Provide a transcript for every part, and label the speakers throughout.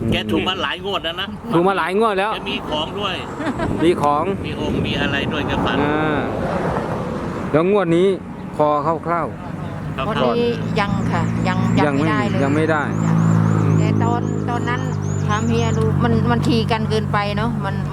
Speaker 1: แกถูกมาหลายงวดแล้วนะ
Speaker 2: ถูกมาหลายงวดแล้ว
Speaker 1: แกมีของด้วย
Speaker 2: มีของ
Speaker 1: มีองค์มีอะไรด้วยแกฝัน
Speaker 2: แล้วงวดนี้พอคร่าว
Speaker 1: ครับ
Speaker 3: วันนี้ยังค่ะยังไม่ได้เลย
Speaker 2: ยังไม่ได้
Speaker 3: แต่ตอนนั้นถามเฮียดูมันทีกันเกินไปเนาะ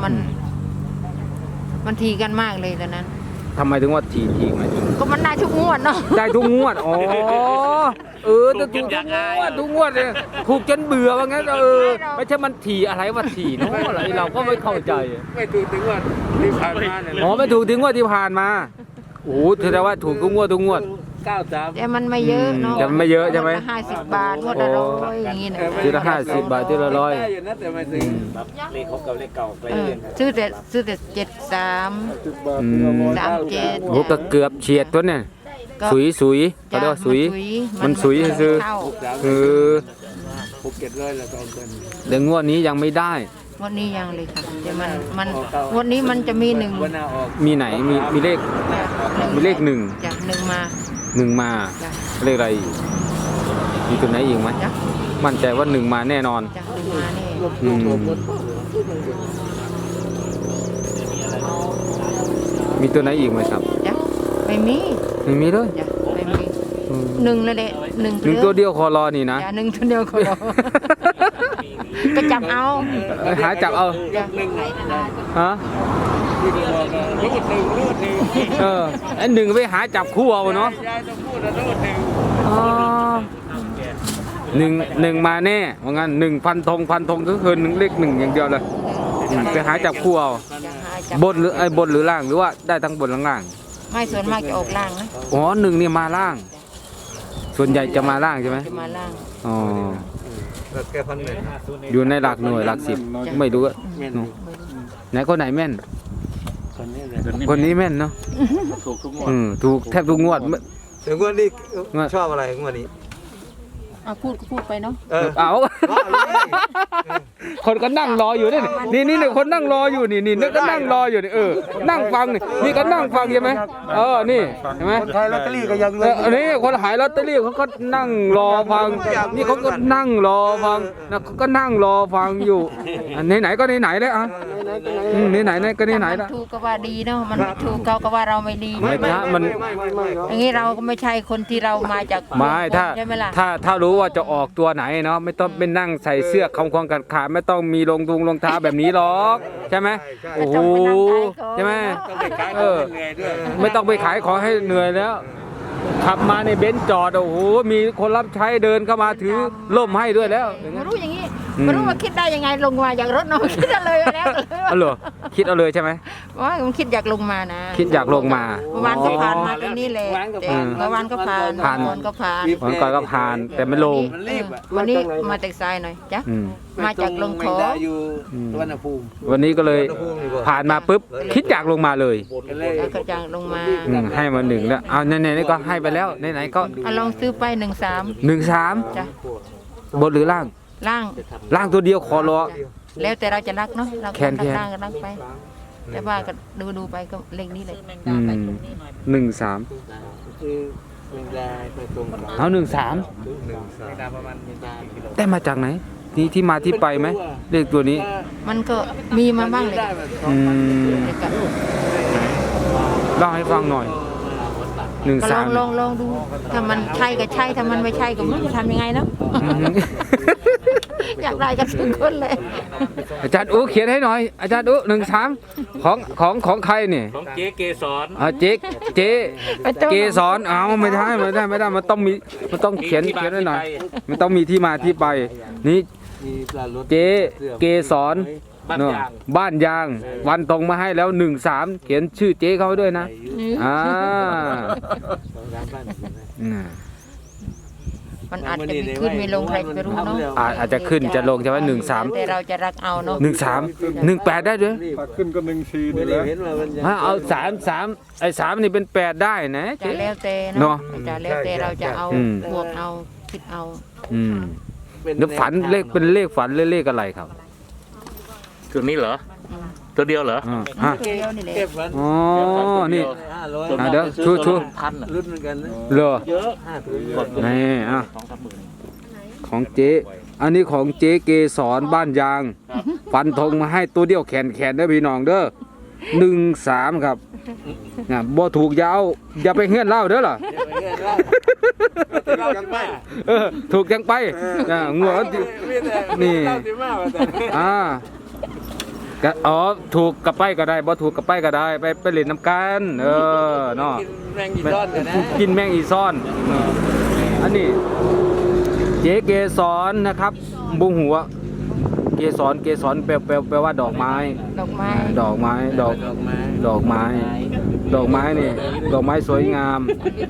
Speaker 3: มันทีกันมากเลยตอนนั้น
Speaker 2: ทำไมถึงว่าทีไหม
Speaker 3: ก็มันได้ทุกงวดเนาะ
Speaker 2: ได้ทุกงวดอ๋อจะถูกทุกงวดเลยถูกจนเบื่อว่างั้นไม่ใช่มันทีอะไรว่าทีเนาะอะไรเราก็ไม่เข้าใจ
Speaker 4: ไม่ถูกถึงว่าที่ผ่านมาเนี่ย
Speaker 2: อ๋อไม่ถูกถึงงวดที่ผ่านมาโอ้แสดงว่าถูกทุกงวด
Speaker 4: 93
Speaker 3: แต่มันไม่เยอะเนาะ
Speaker 2: แต่มันไม่เยอะใช่ไหม
Speaker 3: 50 บาทงวดละ100อย่างงี้นะ
Speaker 2: ทีละ50 บาททีละ100
Speaker 4: ได้อยู่นะแต่ไม่ซื้อเลขเขากับเลขเก่าไปเรื่อย
Speaker 3: ซื้อแต่73 37
Speaker 2: โอ้ก็เกือบเฉียดตัวเนี่ยสุยเขาเรียกว่าสุยมันสุยคือ
Speaker 4: 600-700ละ2คน
Speaker 2: เดี๋ยวงวดนี้ยังไม่ได้
Speaker 3: วันนี้ยังเลยค่ะแต่มันวันนี้มันจะมี1
Speaker 4: วันหน้าออก
Speaker 2: มีไหนมีเลขมีเลขหนึ่ง
Speaker 3: จาก1มา
Speaker 2: มา
Speaker 3: จ้ะ
Speaker 2: เลขอะไรอีกมีตัวไหนอีกไหม
Speaker 3: จ้ะ
Speaker 2: มั่นใจว่า1มาแน่นอน
Speaker 3: จาก1มานี่
Speaker 2: อืมมีตัวไหนอีกไหมครับ
Speaker 3: จ้ะไม่มี
Speaker 2: ไม่มีเลย
Speaker 3: จ้ะไม่มี1แล้วแหละ1
Speaker 2: หนึ่งตัวเดียวคอรอนี่นะ
Speaker 3: จ้ะ1ตัวเดียวก็รอก็จับเอา
Speaker 2: หาจับเอา
Speaker 3: จ้ะ
Speaker 2: ฮะ
Speaker 4: รูดหนึ่ง
Speaker 2: ไอ้หนึ่งไปหาจับคู่เอาเนาะ
Speaker 4: ยายต้องพูดนะรูดหนึ่ง
Speaker 2: อ๋อหนึ่งมาแน่ว่างั้นพันธงก็คือเลข 1อย่างเดียวเลยไปหาจับคู่เอา
Speaker 3: จะหาจับบ
Speaker 2: นหรือล่างหรือว่าได้ทั้งบนทั้งล่าง
Speaker 3: ไม่ส่วนมากจะออกล่างนะ
Speaker 2: อ๋อ1นี่มาล่าง ส่วนใหญ่จะมาล่างใช่ไหม
Speaker 3: จะมาล่าง
Speaker 2: อ๋อ
Speaker 4: แก้พันหนึ่ง
Speaker 2: อยู่ในหลักหน่วยหลักสิบไม่รู้อะไหนคนไหนแม่น คนนี้แม่นเนาะ
Speaker 1: ถูกทุกงวด
Speaker 2: ถูกแทบทุกงวด
Speaker 4: ถึงวันนี้ชอบอะไรวันนี้
Speaker 3: พูดก็พูดไปเนาะ
Speaker 2: เอาคนก็นั่งรออยู่นี่นี่คนนั่งรออยู่นี่ก็นั่งรออยู่นี่นั่งฟังนี่ก็นั่งฟังใช่ไหมนี่ใช่ไหม
Speaker 4: คนขายลอตเตอรี่ก็ยังเลย
Speaker 2: อันนี้คนขายลอตเตอรี่เขาก็นั่งรอฟังนี่เขาก็นั่งรอฟังนะเขาก็นั่งรอฟังอยู่อันไหนก็ไหนเลยอ่ะไหนก็ไหน
Speaker 3: มั
Speaker 2: ละ
Speaker 3: ถูกก็ว่าดีเนาะมันไม่ถูกเขาก็ว่าเราไม่ดี
Speaker 2: ไม่นะมัน
Speaker 3: อย่างนี้เราก็ไม่ใช่คนที่เรามาจาก
Speaker 2: ไม่ถ้า
Speaker 3: ใช่ไหมล่ะ
Speaker 2: ถ้ารู้ว่าจะออกตัวไหนเนาะไม่ต้องเป็นนั่งใส่เสื้อคำควงกัดขาไม่ต้องมีรองเท้าแบบนี้หรอกใช่ไหมโอ้โหใช่ไหมไม่ต้องไปขายของให้เหนื่อยแล้วขับมาในเบนซ์จอดโอ้โหมีคนรับใช้เดินเข้ามาถือร่มให้ด้วยแล้ว
Speaker 3: ไม่รู้อย่างนี้ไม่รู้ว่าคิดได้ยังไงลงมาจากรถเนาะคิดเอาเลยแล้ว
Speaker 2: อ๋อเหรอคิดเอาเลยใช่ไหม
Speaker 3: ว่าผมคิดอยากลงมานะ
Speaker 2: คิดอยากลงมา
Speaker 3: เมื่อวานก็ผ่านมาตรงนี้แหละแต่เมื่อวานก็ผ่านก่อนก็ผ่าน
Speaker 2: วันก่อนก็ผ่านแต่ไม่ลง
Speaker 4: มันรีบอ่ะ
Speaker 3: วันนี้มาแต่ซ้ายหน่อยจ้ะ
Speaker 2: อืม
Speaker 3: มาจากลงขอ
Speaker 4: อยู่สุวรรณภูมิ
Speaker 2: วันนี้ก็เลยผ่านมาปุ๊บคิดอยากลงมาเลย
Speaker 3: แล้วก็จากลงมา
Speaker 2: ให้มา1แล้วเอาไหนๆก็ให้ไปแล้วไหนๆก็
Speaker 3: ลองซื้อไป13
Speaker 2: 13
Speaker 3: จ้ะ
Speaker 2: บนหรือล่าง
Speaker 3: ล่าง
Speaker 2: ตัวเดียวคอรอ
Speaker 3: แล้วแต่เราจะรักเนาะเรา
Speaker 2: แคนแคน
Speaker 3: ล่างก็รักไป แต่ว่าก็ดูไปก็เลขนี้เลย
Speaker 2: 13
Speaker 4: คือเวลาไปตรงกับ
Speaker 2: เอา13
Speaker 4: เวลาประมาณกิโล
Speaker 2: ได้มาจากไหนนี่ที่มาที่ไปไหมเลขตัวนี้
Speaker 3: มันก็มีมาบ้างเลย
Speaker 2: อืม
Speaker 3: แต่ก็
Speaker 2: เล่าให้ฟังหน่อย
Speaker 3: ก็ลอง
Speaker 2: 13
Speaker 3: ดูถ้ามันใช่ก็ใช่ถ้ามันไม่ใช่ก็ไม่รู้จะทำยังไงเนาะ อยากได้กันทุกคนเลย
Speaker 2: อาจารย์อู๋เขียนให้หน่อยอาจารย์อู๋13ของใครเนี่ย
Speaker 1: ของเจ๊เกสร
Speaker 2: เจ๊เกสรเอาไม่ได้มันต้องเขียนไว้หน่อยมันต้องมีที่มาที่ไปนี่
Speaker 4: มีปลารถ
Speaker 2: เจ๊เกสร
Speaker 1: บ้าน
Speaker 2: เนอะ
Speaker 1: ยาง
Speaker 2: บ้านยางวันตรงมาให้แล้ว13เขียนชื่อเจ๊เขาไว้ด้วยนะอ่า
Speaker 4: ร้านบ้าน
Speaker 3: มันอาจจะมีขึ้นมีลงใครจะรู้เนาะ
Speaker 2: อาจจะขึ้นจะลงใช่ไหม
Speaker 3: แต่เราจะรักเอาเนาะ
Speaker 2: 13 18ได้ด้วย
Speaker 5: ขึ้นก็1-4
Speaker 4: ไม่
Speaker 5: นี่
Speaker 4: ได้
Speaker 5: แหละ
Speaker 4: เห็นว่ามันจะ
Speaker 2: เอา3ไอ้3นี่เป็น8ได้นะ
Speaker 3: จะ
Speaker 2: เจ๊
Speaker 3: แล้วแต่
Speaker 2: เนาะ
Speaker 3: จะแล้วแต่เราจะเอา
Speaker 2: อืม
Speaker 3: บวกเอาคิดเอา
Speaker 2: แล้วฝันเป็นเลขฝันเลขอะไรครับ
Speaker 1: ตัวนี้เหรอ ตัวเดียวเหรอ
Speaker 2: อ่า
Speaker 3: ตัวเดียวนี่แหละ
Speaker 4: เก็บฝัน
Speaker 2: อ๋อนี่
Speaker 4: 500
Speaker 2: เดี๋ยวชู
Speaker 1: พันอ่ะ
Speaker 4: รุ่นเหมือนกันนะ
Speaker 2: เหรอ
Speaker 1: เยอะ
Speaker 4: 5
Speaker 2: นี่อ่ะ
Speaker 1: 2-3 หมื่น
Speaker 2: ของเจ๊อันนี้ของเจ๊เกสรบ้านยาง ฟันธงมาให้ตัวเดียวแขนเด้อพี่น้องเด้อ13ครับนะบ่ถูกอย่าไปเฮือนเล่าเด้อล่ะ
Speaker 4: เรากันไป
Speaker 2: ถูกจังไปงัวนี่ก็ถูกกับไปก็ได้บ่ถูกกับไปก็ได้ไปเล่นน้ำกันเนาะ
Speaker 4: กินแมงอีซ่อนกันนะ
Speaker 2: กินแมงอีซ่อนอันนี้เจ๊เกสรนะครับบุ้งหัวเกสรแปลว่าดอกไม้
Speaker 3: ดอกไม้
Speaker 2: ดอกไม้นี่ ดอกไม้สวยงาม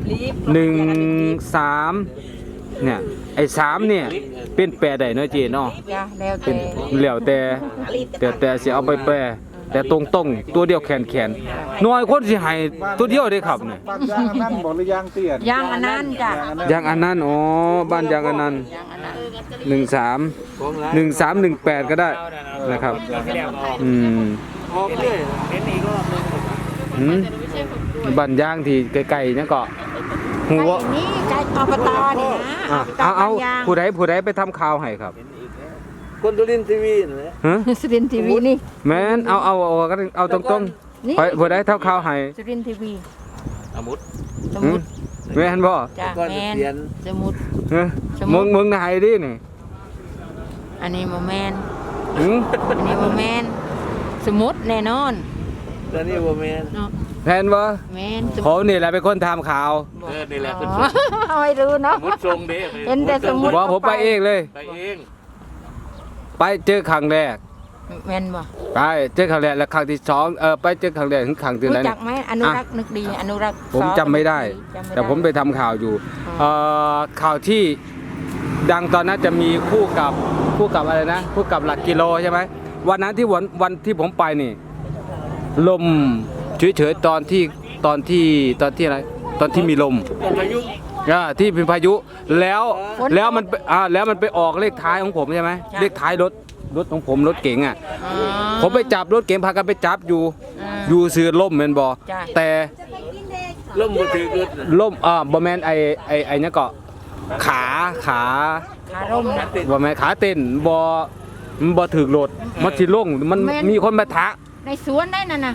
Speaker 2: 13เนี่ยไอ้3เนี่ยเป็นแปรได้เนาะเจ๊เนาะ
Speaker 3: จ้ะแล้ว
Speaker 2: เป็น
Speaker 3: แต่
Speaker 2: แล้วแต่สิเอาไปแปรแต่ตรงตัวเดียวแขนน้อยคนสิให้ตัวเดียวได้ครับเนี่ย
Speaker 5: บ้านยางอันนั้นบอกหรือยางเตี้ย
Speaker 3: ยางอันนั้นจ้ะ
Speaker 2: ยางอันนั้นบ้านยางอันนั้น
Speaker 3: ยางอันนั้น
Speaker 2: 13 1318ก็ได้นะครับ
Speaker 4: ออกเลยเห็นอีกรอบนึง
Speaker 2: บ้านยางที่ไกลๆนั่นก็หัว
Speaker 3: ไก่นี่ไก่อบตนี่นะ
Speaker 2: เอา
Speaker 3: ยาง
Speaker 2: ผู้ใดไปทำข่าวให้ครับ
Speaker 4: คนตุลินทีวีนะ
Speaker 2: ฮะ
Speaker 3: สุรินทร์ทีวีนี่
Speaker 2: แม่นเอาตรง
Speaker 3: นี่
Speaker 2: ๆผู้ใดทำข่าวให้
Speaker 3: สุรินทร์ทีวี
Speaker 1: อามุด
Speaker 3: สมุด
Speaker 2: แม่นบ่
Speaker 3: จ้ะ
Speaker 4: ก่อน
Speaker 3: แม
Speaker 4: จะ
Speaker 3: น
Speaker 4: เขียน
Speaker 3: สมุด
Speaker 2: ฮะ
Speaker 3: สมุด
Speaker 2: มึงให้ดินี่
Speaker 3: อันนี้โมแมน
Speaker 2: หึ
Speaker 3: อันนี้โมแมนสมุดแน่นอน
Speaker 4: ตอนนี้บ่แม่น
Speaker 3: เนาะ
Speaker 2: แทนบ่
Speaker 3: แมนส
Speaker 2: ผ
Speaker 3: มุด
Speaker 2: มนี่แหละเป็นคนทำข่าว
Speaker 1: นี่แหละ
Speaker 3: อ๋
Speaker 1: เป็น
Speaker 3: อไม่รู้เนาะ
Speaker 1: มุดทรงเด้
Speaker 3: เห็นแต่สมุด
Speaker 2: ว่าผมไปเองเลย
Speaker 1: ไปเอง
Speaker 2: ไปเจอครั้งแรก
Speaker 3: แมนบ่
Speaker 2: ไปเจอครั้งแรกแล้วครั้งที่สองไปเจอครั้งแรกถึงครั้งที่
Speaker 3: รู้
Speaker 2: ไหน
Speaker 3: จักไหมอนุรักษ์นึกดีอนุรักษ์
Speaker 2: ผมจำไม่ได้
Speaker 3: จำไม่ได้
Speaker 2: แต่ผมไปทำข่าวอยู่
Speaker 3: อ๋อ
Speaker 2: ข่าวที่ดังตอนนั้นจะมีคู่กับอะไรนะคู่กับหลักกิโลใช่ไหมวันนั้นที่วันที่ผมไปนี่ ลมเฉยๆตอนที่อะไรตอนที่มีลม
Speaker 1: พายุ
Speaker 2: ที่เป็นพายุแล้วมันไปออกเลขท้ายของผมใช่ไหมเลขท้ายรถของผมรถเก๋งอ่ะ
Speaker 3: อ๋อ
Speaker 2: ผมไปจับรถเก๋งพากันไปจับอยู่
Speaker 3: อ่า
Speaker 2: อยู่ซื้อล่มแมนบอ
Speaker 3: จ้ะ
Speaker 2: แต่
Speaker 4: ล่มบ่ถือรถ
Speaker 2: ล่มบอแมนไอเนี่ยก็ขา
Speaker 3: ขาร่มนะ
Speaker 2: บอแมนขาเต้นมันบอถือรถมันสิลงมัน
Speaker 3: แม่น
Speaker 2: มีคนมาทะ
Speaker 3: ในสวนได้นั่นน่ะ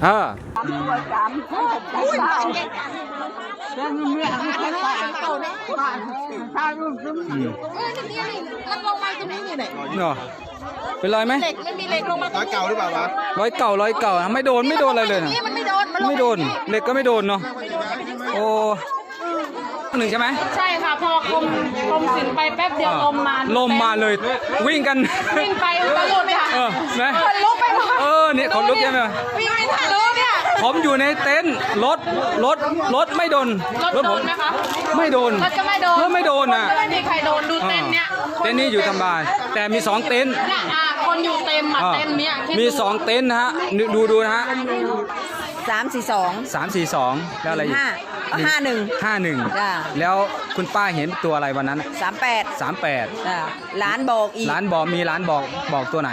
Speaker 6: มันลงมาตรงนี้นี่แหละ
Speaker 2: เนาะเป็นรอยไหม
Speaker 6: เหล็กมันมีเหล็กลงมาตรงนี้
Speaker 5: เก่าหรือเปล่าวะ
Speaker 2: รอยเก่าอะไม่โดนอะไรเลยนะ
Speaker 6: นี่มันไม่โดน มันลง
Speaker 2: ไม่โดนเหล็กก็ไม่โดนเนาะโอ้หนึ่งใช่ไหม
Speaker 6: ใช่ค่ะ พอกรมศิลป์ไปแป๊บเดียวลมมา
Speaker 2: ลมมาเลยวิ่งกัน
Speaker 6: วิ่งไปตะลุดค่ะ
Speaker 2: นะ
Speaker 6: คนลุกไปหมด
Speaker 2: เนี่ยขนลุกใช่ไหม
Speaker 6: วิ่งไม่ทันเลยเนี่ย
Speaker 2: ผมอยู่ในเต็นท์รถไม่โดน
Speaker 6: รถโด
Speaker 2: ผม
Speaker 6: นไหมคะ
Speaker 2: ไม่โดน
Speaker 6: รถก็ไม่โดน
Speaker 2: รถไม่โดนอ่ะ
Speaker 6: ไม่มีใครโดนดูเต็นท์เนี่ย
Speaker 2: เต็นท์นี้อยู่ทำบายแต่มี2เต็นท์
Speaker 6: เนี่ยคนอยู่เต็มเต็นท์เนี่ยคิดดู
Speaker 2: มี2เต็นท์นะฮะดูนะฮะ
Speaker 7: 342
Speaker 2: 342แล้วอะไรอีก
Speaker 7: 51
Speaker 2: 51
Speaker 7: จ้า
Speaker 2: แล้วคุณป้าเห็นตัวอะไรวันนั้นอะ
Speaker 7: 38
Speaker 2: 38
Speaker 7: จ้าร้านบอกอีก
Speaker 2: ร้านบอกตัวไหน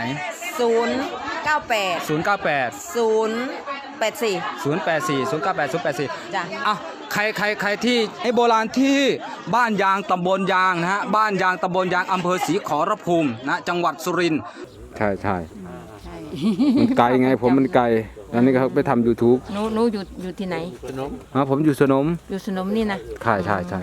Speaker 7: 098
Speaker 2: 098
Speaker 7: 084
Speaker 2: 094
Speaker 7: จ้ะ
Speaker 2: อ้าวใครที่ไอ้โบราณที่บ้านยางตำบลยางนะฮะบ้านยางตำบลยางอำเภอศรีขอรภูมินะจังหวัดสุรินทร์ใช่มันไกลไงผมมันไกลตอนนี้เขาไปทำ YouTube
Speaker 3: หนูอยู่ที่ไหน
Speaker 2: ผมอยู่สนม
Speaker 3: อยู่สนมนี่นะ
Speaker 2: ใช่